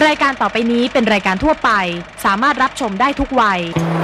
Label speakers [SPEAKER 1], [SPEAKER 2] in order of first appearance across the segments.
[SPEAKER 1] ายการต่อไปนี้เป็นรายการทั่วไปสามารถรับชมได้ทุกวัย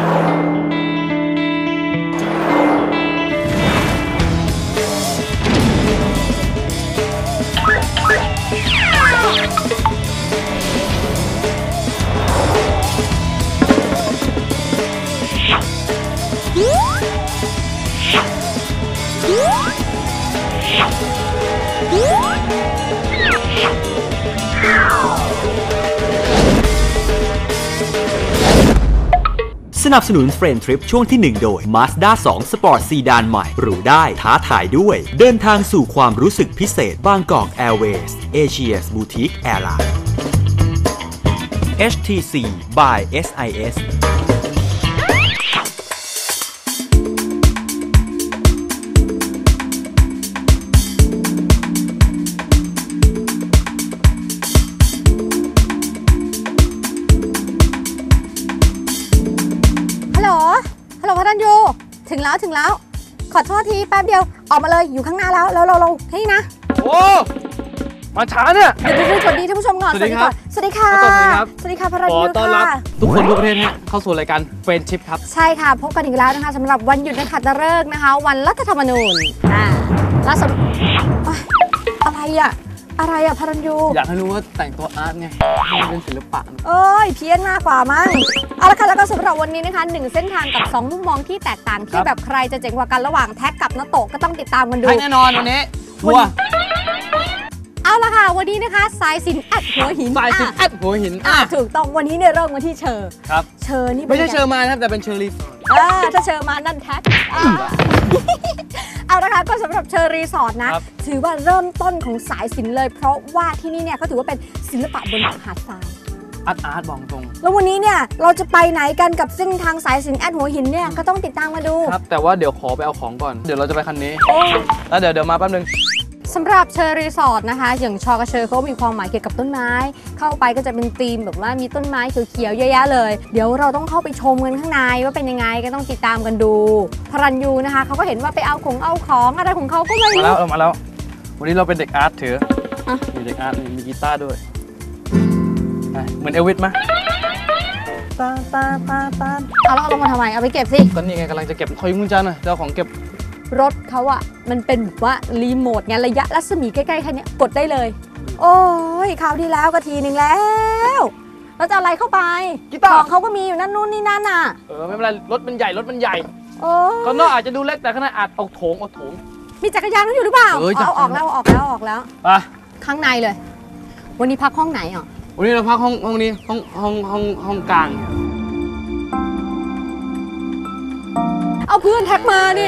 [SPEAKER 2] สนับสนุนเฟรนทริปช่วงที่ 1 โดย Mazda 2 Sport Sedan ใหม่หรูได้ท้าทายด้วยเดินทางสู่ความรู้สึกพิเศษบางกอก Airways Asia's Boutique Airline HTC by SIS
[SPEAKER 3] ฮัลโหลพระดันยูถึงแล้วขอโทษทีแป๊บเดียวออกมาเลยอยู่ข้างหน้าแล้วเราให้นะ
[SPEAKER 4] โอ้มาช้าเนี่ย
[SPEAKER 3] เดี๋ยวสวัสดีท่านผู้ชมก่อนสวัสดีค่ะสวัสดีค่ะพระดันยูค่ะ
[SPEAKER 4] ทุกคนทั่วประเทศเข้าสู่รายการเฟรนชิพครับ
[SPEAKER 3] ใช่ค่ะพบกันอีกแล้วนะคะสำหรับวันหยุดนักขัตฤกษ์นะคะวันรัฐธรรมนูญล่าสุดอะไรอะพระดันยู
[SPEAKER 4] อยากให้รู้ว่าแต่งตัวอาร์ตไงเป็นศิลปะ
[SPEAKER 3] เพี้ยนมากกว่ามั้งเอาละค่ะแล้วก็สำหรับวันนี้นะคะ1เส้นทางกับ2มุมมองที่แตกต่างที่แบบใครจะเจ๋งกว่ากันระหว่างแท็กกับนาโตะก็ต้องติดตามกันดู
[SPEAKER 4] แน่นอนวันนี้ชัวร์
[SPEAKER 3] เอาละค่ะวันนี้นะคะสายสิญจน์แอดหัวหินถูกต้องวันนี้เนี่ยเริ่มกันที่เชอร์
[SPEAKER 4] ครับ
[SPEAKER 3] เชอร์นี่
[SPEAKER 4] ไม่ใช่เชอร์มานะครับแต่เป็นเชอร์รีสอร์ท
[SPEAKER 3] ถ้าเชอร์มานั่นแท็กเอาละค่ะก็สำหรับเชอร์รีสอร์ทนะถือว่าเริ่มต้นของสายศิลป์เลยเพราะว่าที่นี่เนี่ยเขาถือว่าเป็นศิลปะบนหาดทราย
[SPEAKER 4] อาร์ตบอกตรง
[SPEAKER 3] แล้ววันนี้เนี่ยเราจะไปไหนกันกับเส้นทางสายสิญจน์แอดหัวหินเนี่ยก็ต้องติดตามมาดู
[SPEAKER 4] ครับแต่ว่าเดี๋ยวขอไปเอาของก่อนเดี๋ยวเราจะไปคันนี้แล้วเดี๋ยวมาแป๊บนึง
[SPEAKER 3] สำหรับเชอร์รีสอร์ทนะคะอย่างชอกระเชอเขามีความหมายเกี่ยวกับต้นไม้เข้าไปก็จะเป็นธีมแบบว่ามีต้นไม้เขียวๆเยอะแยะเลยเดี๋ยวเราต้องเข้าไปชมกันข้างในว่าเป็นยังไงก็ต้องติดตามกันดูพรัญยูนะคะเขาก็เห็นว่าไปเอาของอะไรของเขาก็ไม่รู้
[SPEAKER 4] มาแล้ววันนี้เราเป็นเด็กอาร์ตถือมีเด็กอาร์ตมีกีตาร์ด้วยเหมือนเอลวิสไหม
[SPEAKER 3] เอาแล้วเอาลงมาทำไมเอาไปเก็บสิ
[SPEAKER 4] ก็นี่ไงกำลังจะเก็บคอยมุ้งจันนะเจ้าของเก็บ
[SPEAKER 3] รถเขาอะมันเป็นแบบว่ารีโมทไงระยะรัศมีใกล้ๆแค่นี้กดได้เลยโอ้ยคราวที่แล้วก็ทีนึงแล้วแล้วจะอะไรเข้าไปของเขาก็มีอยู่นั่นนู่นนี่นั่นน่ะ
[SPEAKER 4] ไม่เป็นไรรถมันใหญ่ก็นอกอาจจะดูเล็กแต่ข้างในอาจเอาโถง
[SPEAKER 3] มีจักรยานอยู่หรือเปล่าเอาออกแล้ว
[SPEAKER 4] ไป
[SPEAKER 3] ข้างในเลยวันนี้พักห้องไหนอ่ะ
[SPEAKER 4] วันนี้เราพักห้องนี้ห้องกลาง
[SPEAKER 3] เอาเพื่อนแท็กมานี่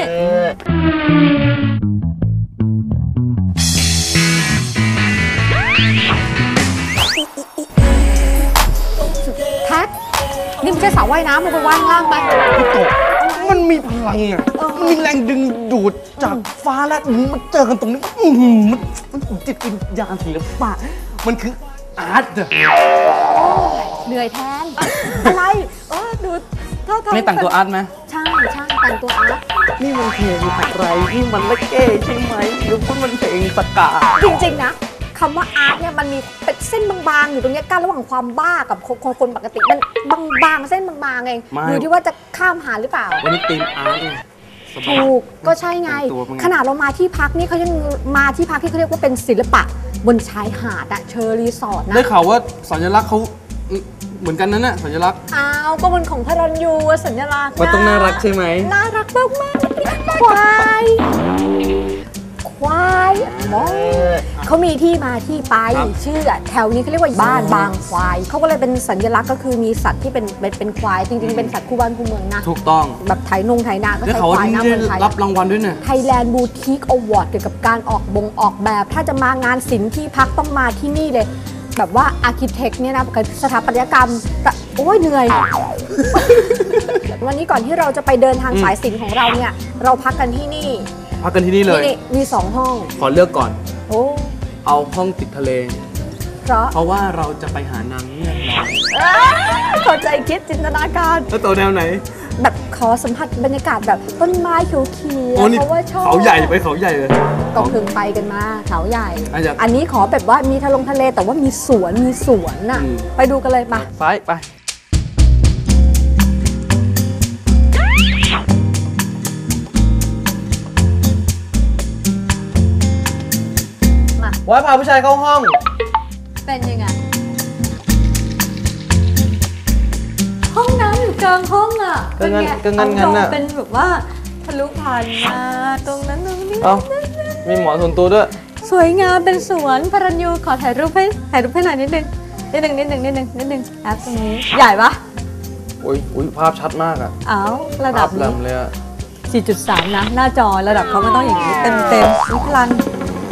[SPEAKER 3] แท็กนี่ไม่ใช่สระว่ายน้ำมันไปว่ายล่างไป
[SPEAKER 4] มันมีพลังอ่ะมันมีแรงดึงดูดจากฟ้าและมันเจอกันตรงนี้มันจิตวิญญาณศิลปะมันคืออาร์ต
[SPEAKER 3] เหนื่อยแทนอะไรดู
[SPEAKER 4] ไม่แต่งตัวอาร์ตไหม
[SPEAKER 3] ใช่แต่งตัวอาร์ต
[SPEAKER 4] นี่มันเพลงอะไรนี่มันละเก้ใช่ไหมหรือมันเพลงสกา
[SPEAKER 3] จริงๆนะคำว่าอาร์ตเนี่ยมันมีเป็นเส้นบางๆอยู่ตรงนี้กั้นระหว่างความบ้ากับคนปกติมันบางๆเส้นบางๆเองดูที่ว่าจะข้ามหาหรือเปล่า
[SPEAKER 4] วันนี้ธีมอาร์ต
[SPEAKER 3] ถูกก็ใช่ไงขนาดเรามาที่พักนี่เขายังมาที่พักที่เขาเรียกว่าเป็นศิลปะบนชายหาดอะเชอร์รีสอร์ทนะ
[SPEAKER 4] ได้ข่าวว่าสัญลักษณ์เขาเหมือนกันนั่นน่ะสัญลักษณ์
[SPEAKER 3] ก็มันของพรัญยูสัญลักษณ์
[SPEAKER 4] มันต้องน่ารักใช่ไหม
[SPEAKER 3] น่ารักมากๆควายมองเขามีที่มาที่ไปชื่อแถวนี้เขาเรียกว่าบ้านบางควายเขาก็เลยเป็นสัญลักษณ์ก็คือมีสัตว์ที่เป็นควายจริงๆเป็นสัตว์คู่บ้านคู่เมืองนะ
[SPEAKER 4] ถูกต้อง
[SPEAKER 3] แบบไถนาก็ใช้ควายนะเมืองไทย
[SPEAKER 4] รับรางวัลด้วยเนี่ย
[SPEAKER 3] Thailand Boutique Award เกี่ยวกับการออกแบบถ้าจะมางานศิลป์ที่พักต้องมาที่นี่เลยแบบว่าอาร์คิเทคเนี่ยนะสถาปัตยกรรมโอ้ยเหนื่อยวันนี้ก่อนที่เราจะไปเดินทางสายศิลป์ของเราเนี่ยเราพักกันที่นี่
[SPEAKER 4] เลย
[SPEAKER 3] มี2ห้อง
[SPEAKER 4] ขอเลือกก่อนเอาห้องติดทะเลเพราะว่าเราจะไปหานางเงือกน้อย
[SPEAKER 3] เข้าใจคิดจินตนาการ
[SPEAKER 4] แล้วตัวแนวไหน
[SPEAKER 3] แบบขอสัมผัสบรรยากาศแบบต้นไม้เขียวๆเพราะว่าชอบ
[SPEAKER 4] เขาใหญ่ไปเขาใหญ่เลย
[SPEAKER 3] ก็เพิ่งไปกันมาเขาใหญ่
[SPEAKER 4] อาจจะ
[SPEAKER 3] อันนี้ขอแบบว่ามีทะเลแต่ว่ามีสวนน่ะไปดูกันเลยมา
[SPEAKER 4] ไปไว้พาผู้ชายเข้าห้อง
[SPEAKER 3] เป็นยังไงห้องน้ำอยู่กลางห้องอ่ะ
[SPEAKER 4] ก็งั้นน่ะ
[SPEAKER 3] เป็นแบบว่าทะลุผ่านมาตรงนั้นตรงนี้
[SPEAKER 4] เอ้ามีหมอนส่วนตัวด้วย
[SPEAKER 3] สวยงามเป็นสวนพรัญยูขอถ่ายรูปให้หน่อยนิดนึงแอปตรงนี้ใหญ่ปะ
[SPEAKER 4] อุ้ยภาพชัดมากอะ
[SPEAKER 3] อ้าวระดับ
[SPEAKER 4] ภาพแหล
[SPEAKER 3] นี้
[SPEAKER 4] มเลยอะ
[SPEAKER 3] 4.3 นะ หน้าจอระดับเขามันต้องอย่างนี้เต็มนี่พลัน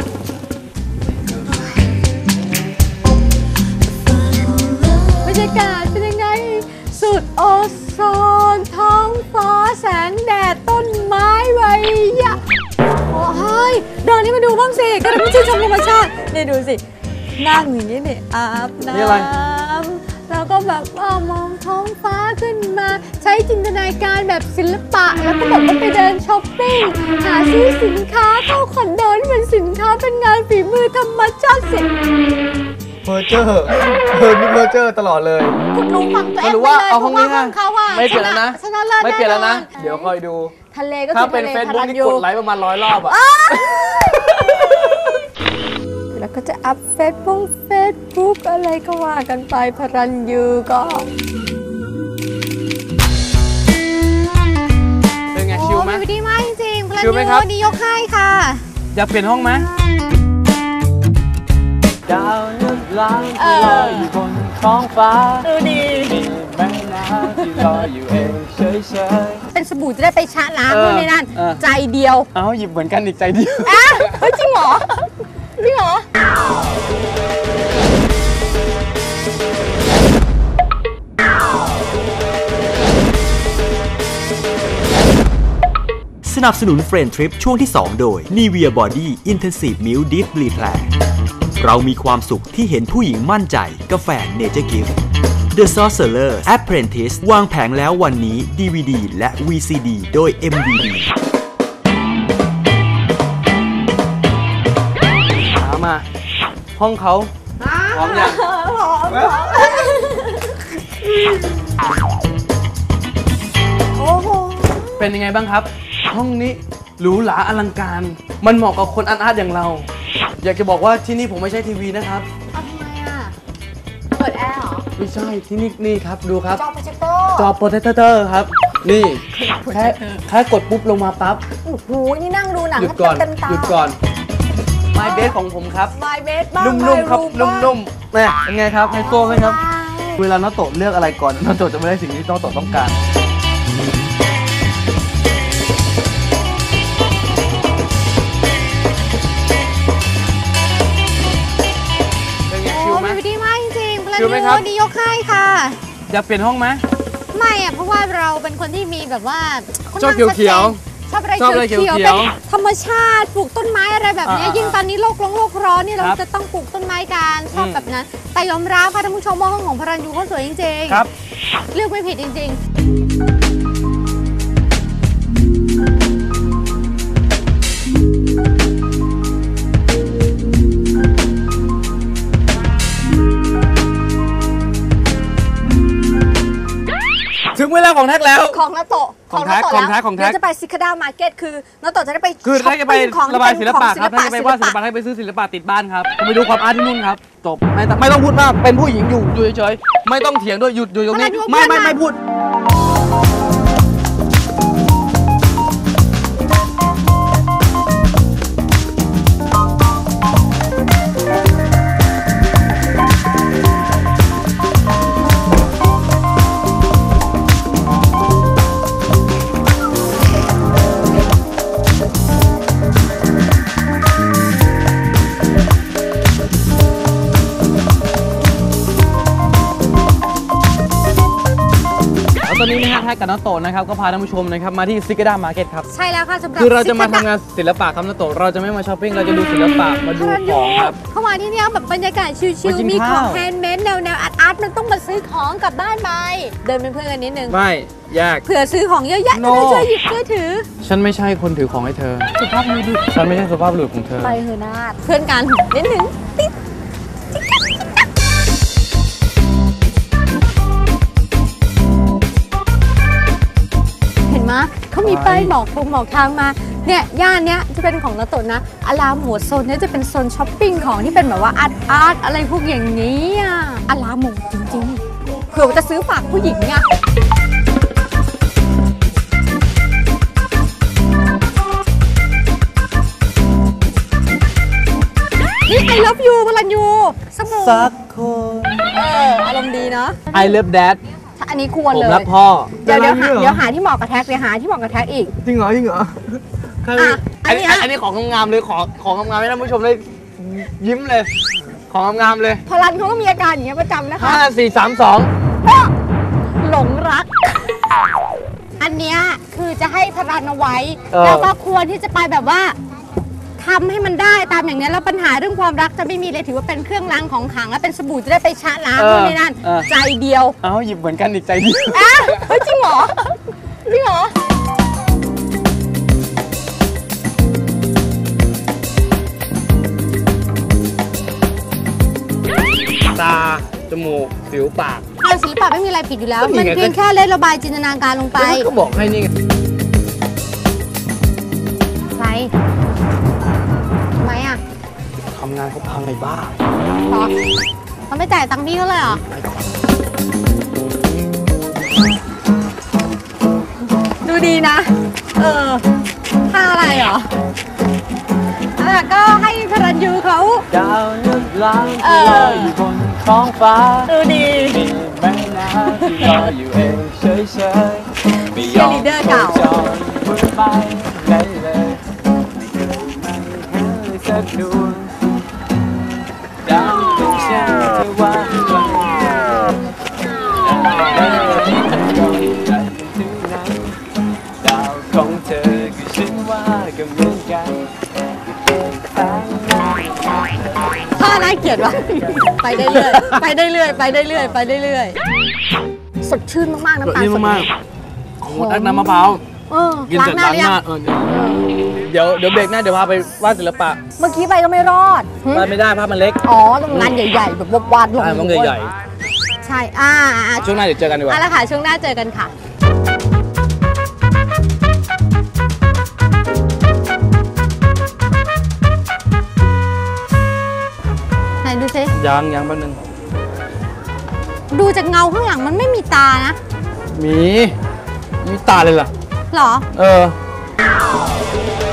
[SPEAKER 3] บรรยากาศเป็นยังไงสุดโอโซนท้องฟ้าแสงแดดต้นไม้ใบหญ้าโอ้ยเดินนี่มาดูบ้างสิก็ได้ไม่ชื่นชมธรรมชาตินี่ดูสินั่งอย่างนี้นี่อาบน้ำแล้วก็แบบว่ามองท้องฟ้าขึ้นมาใช้จินตนาการแบบศิลปะแล้วก็แบบว่าไปเดินช้อปปิ้งหาซื้อสินค้าเข้าคอนโดที่เป็นสินค้าเป็นงานฝีมือธรรมชาติสิ
[SPEAKER 4] เพอร์เจอร์นี่เพอร์เจอร์ตลอดเลย
[SPEAKER 3] คุณลุงฟังตัวเอง
[SPEAKER 4] หรือว่าเอาห้องนี้
[SPEAKER 3] เพระว่เขาอะ
[SPEAKER 4] ไม่เปลี่ยนแล้วนะ
[SPEAKER 3] ชนะเลิศ
[SPEAKER 4] ไม่เปลี่ยนแล้วนะ
[SPEAKER 3] แอ
[SPEAKER 4] เดี๋ยวคอยดู
[SPEAKER 3] ทะเลก็
[SPEAKER 4] ถ้า
[SPEAKER 3] คือ
[SPEAKER 4] เป็น
[SPEAKER 3] ทะเล
[SPEAKER 4] เฟซบุ๊กนี่
[SPEAKER 3] พ
[SPEAKER 4] กดไลค์ประมาณ100 รอบอะ
[SPEAKER 3] แล้วก็จะอัพเฟซบุ๊กอะไรก็ว่ากันไปพรัญยูก็
[SPEAKER 4] เป็นไงชิลไหม
[SPEAKER 3] โอ้ดีมากจริงๆพรัญ
[SPEAKER 4] ชิลไหมครับ
[SPEAKER 3] ยูนี่ยกให้ค่ะ
[SPEAKER 4] อยากเปลี่ยนห้องไหมดาวนึกล้างที่ลอยอยู่บนท้องฟ้า
[SPEAKER 3] ดูดี
[SPEAKER 4] มีแม่น้ำที่ลอยอยู่เองเฉย
[SPEAKER 3] เป็นสบู่จะได้ไปชะล้างด้วยในนั้น ใจเดียว
[SPEAKER 4] ๆเอาหยิบเหมือนกันอีกใจเดียว
[SPEAKER 3] อ่ะเฮ้ยจริงเหรอ
[SPEAKER 2] สนับสนุนเฟรนทริปช่วงที่ 2 โดย Nivea Body Intensive Milk Deep Repair เรามีความสุขที่เห็นผู้หญิงมั่นใจกาแฟ Nature Gift The Sorcerer Apprentice วางแผงแล้ววันนี้ DVD และ VCD โดย MVD
[SPEAKER 4] มาห้องเขาพร้อมยัง
[SPEAKER 3] โอ้โห
[SPEAKER 4] เป็นยังไงบ้างครับ ห้องนี้หรูหราอลังการ มันเหมาะกับคนอาร์ตอย่างเรา อยากจะบอกว่าที่นี่ผมไม่ใช่ทีวีนะครับ
[SPEAKER 3] เอาทำไมอ่ะ เปิดแอร์เหรอ
[SPEAKER 4] ไม่ใช่ที่นี่ครับดูครับ
[SPEAKER 3] จอโปรเจคเตอร์
[SPEAKER 4] จอโปรเจคเตอร์ครับ นี่แค่กดปุ๊บลงมาปั๊บ
[SPEAKER 3] โอ้โห นี่นั่งดูหนัง
[SPEAKER 4] หยุดก่อน
[SPEAKER 3] เต็มตา
[SPEAKER 4] หยุดก่อน My Bed ของผมครับ
[SPEAKER 3] My Bed บ้าง
[SPEAKER 4] นุ่มๆครับ
[SPEAKER 3] My Room
[SPEAKER 4] นุ่มๆแม่เป็นไงครับไฮโซไหมครับ เวลาน้าโตะเลือกอะไรก่อนน้าโตะจะไม่ได้สิ่งที่น้าโตะต้องการเป็นไงชิลไหม
[SPEAKER 3] โอ้ดีมากจริงๆพลัง
[SPEAKER 4] ชิลไหมครับ
[SPEAKER 3] นี่ยกให้ค่ะ
[SPEAKER 4] อยากเปลี่ยนห้องไหม
[SPEAKER 3] ไม่อ่ะ เพราะว่าเราเป็นคนที่มีแบบว่า
[SPEAKER 4] ชอบเขียว
[SPEAKER 3] ชอบอะไร
[SPEAKER 4] ชอบอะไร
[SPEAKER 3] เขียว
[SPEAKER 4] เขี
[SPEAKER 3] ๆ
[SPEAKER 4] ยว
[SPEAKER 3] เป็นธรรมชาติปลูกต้นไม้อะไรแบบนี้ ยิ่งตอนนี้โลกร้อนนี่เรา
[SPEAKER 4] ครับ
[SPEAKER 3] จะต้องปลูกต้นไม้กันชอบแบบนั้น แต่ยอมรับค่ะท่านผู้ชมว่าห้องของพรัญยูเขาสวยจริงๆ
[SPEAKER 4] ครับ
[SPEAKER 3] เลือกไม่ผิดจริง
[SPEAKER 4] ถึงเวลาของแท็กแล้ว
[SPEAKER 3] ๆ ของนาโตะ
[SPEAKER 4] ของแท้
[SPEAKER 3] นาโตะ
[SPEAKER 4] ของแท้
[SPEAKER 3] แล้ว
[SPEAKER 4] ของแท้
[SPEAKER 3] เดี๋ยวจะไปซิคาดามาร์เก็ตคือนาโตะจะได้ไป
[SPEAKER 4] คือถ้าจะไป
[SPEAKER 3] ช้อปปิ้งของ
[SPEAKER 4] ระบายศิลปะครับ
[SPEAKER 3] เป็น
[SPEAKER 4] ถ้าจะไปวาดศิลปะถ้าไปซื้อศิลปะติดบ้านครับไปดูความอาร์ตที่นู่นครับ จบไม่ต้องพูดมากเป็นผู้หญิงอยู่เฉยๆไม่ต้องเถียงด้วยหยุดอยู่ตรงนี้ไม่พูด ตอนนี้นะฮะแท็กกับน้าโตะนะครับก็พาท่านผู้ชมนะครับมาที่ซิกาด้ามาร์เก็ตครับ
[SPEAKER 3] ใช่แล้วค่ะสำหรับ
[SPEAKER 4] คือเราจะมาทำงานศิลปะครับน้าโตะเราจะไม่มาช้อปปิ้งเราจะดูศิลปะมาดูของครับ
[SPEAKER 3] เข้ามาที่นี่แบบบรรยากาศชิล
[SPEAKER 4] มากิน
[SPEAKER 3] ๆมีของ
[SPEAKER 4] ข้าว
[SPEAKER 3] แฮนด์เมดแนวอาร์อาร์ตมันต้องมาซื้อของกลับบ้านไปเดินเป็นเพื่อนกันนิดนึง
[SPEAKER 4] ไม่ยาก
[SPEAKER 3] เผื่อซื้อของเยอะแยะจะ
[SPEAKER 4] No
[SPEAKER 3] ได้ช่วยหยิบช่วยถือ
[SPEAKER 4] ฉันไม่ใช่คนถือของให้เธอสุภาพบุรุษฉันไม่ใช่สุภาพบุรุษของเธอ
[SPEAKER 3] ไปเถอะนาดเพื่อนกันนิดนึงติ๊ดเห็นไหมเขามีป้ายบอกทางมาเนี่ยย่านเนี้ยจะเป็นของนาโตะนะอารามหมวดโซนเนี้ยจะเป็นโซนช้อปปิ้งของที่เป็นแบบว่าอาร์ตอะไรพวกอย่างนี้อ่ะอารามหมวดจริงๆเผื่อว่าจะซื้อฝากผู้หญิงเนี่ยนี่ I love you พลันยูสบู่
[SPEAKER 4] สักคน
[SPEAKER 3] อารมณ์ดีเนาะ
[SPEAKER 4] I love dad
[SPEAKER 3] อันนี้ควร
[SPEAKER 4] ผม
[SPEAKER 3] เลย
[SPEAKER 4] รักพ่อ
[SPEAKER 3] เดี๋ยวหาที่เหมาะกับแท็กหาที่เหมาะกับแท็กอีก
[SPEAKER 4] จริงเหรอ
[SPEAKER 3] อัน
[SPEAKER 4] นี้ของงามๆเลยของงามๆให้ท่านผู้ชมได้ยิ้มเลย ของงามๆเลย
[SPEAKER 3] พลันเขาก็มีอาการอย่างเงี้ยประจำนะคะ
[SPEAKER 4] 5 4 3 2
[SPEAKER 3] หลงรัก อันเนี้ยคือจะให้พลันเอาไว้
[SPEAKER 4] เออ
[SPEAKER 3] แล้วก็ควรที่จะไปแบบว่าทำให้มันได้ตามอย่างนี้แล้วปัญหาเรื่องความรักจะไม่มีเลยถือว่าเป็นเครื่องรางของขลังและเป็นสบู่จะได้ไปชะล้างนู่นนี่นั่นใจเดียว
[SPEAKER 4] เอาหยิบเหมือนกันอีกใจเดียว
[SPEAKER 3] อ่ะเฮ้ยจริงเหรอจริงเหรอ
[SPEAKER 4] ตาจมูกสิวปาก
[SPEAKER 3] ทาสีปากไม่มีอะไรผิดอยู่แล้ว
[SPEAKER 4] ก็มี
[SPEAKER 3] มัน
[SPEAKER 4] ไง
[SPEAKER 3] เพียงแค่เล่นระบายจินตนาการลงไป
[SPEAKER 4] ก็บอกให้นี่ไง
[SPEAKER 3] ใครทำไมอ่ะ
[SPEAKER 4] ทำงานเขาพังไอ้บ้า
[SPEAKER 3] หรอเขาไม่จ่ายตังค์พี่เขาเลยเหรอ ดูดีนะ ท่าอะไรเหรอก็ให้พรัญยูเขา
[SPEAKER 4] ดาวนึกล้างลอยอยู่บนท้องฟ้า
[SPEAKER 3] ดูดี
[SPEAKER 4] มีแม่น้ำที่ลอยอยู่เองเฉยๆไม่ยอม
[SPEAKER 3] Cheerleader เก่า
[SPEAKER 4] จอยบนไปไหนเลยไม่เคยเห็นเลยสักดวงดาวเป็นเช่นเธอว่าไว้ดาวของเธอคือฉันว่าก็เหมือนกัน
[SPEAKER 3] ท่าน่าเกลียดวะไปได้เรื่อยไปได้เรื่อยไปได้เรื่อยไปได้เรื่อยสดชื่นมากๆน้ำตาลสด
[SPEAKER 4] โอ้ตักน้ำมะพร้าวกิน
[SPEAKER 3] ล้า
[SPEAKER 4] เสร็
[SPEAKER 3] ง
[SPEAKER 4] จ
[SPEAKER 3] หน้า
[SPEAKER 4] ล้าง
[SPEAKER 3] หรือ
[SPEAKER 4] ห
[SPEAKER 3] ยัง
[SPEAKER 4] น้าเดี๋ยวเบรกหน้าเดี๋ยวพาไปวาดศิลปะ
[SPEAKER 3] เมื่อกี้ไปก็ไม่รอด
[SPEAKER 4] วาดไม่ได้ภาพมันเล็ก
[SPEAKER 3] อ๋อตรงงานใหญ่ๆแบบวาดลง
[SPEAKER 4] ต้องใหญ่
[SPEAKER 3] ใช่
[SPEAKER 4] ๆช่วงหน้าเดี๋ยวเจอกันดีกว่า
[SPEAKER 3] เอาละค่ะช่วงหน้าเจอกันค่ะไหนดูสิ
[SPEAKER 4] ยังแป๊บนึง
[SPEAKER 3] ดูจากเงาข้างหลังมันไม่มีตานะ
[SPEAKER 4] มีตาเลยเหรอ
[SPEAKER 3] หรอ
[SPEAKER 4] เออ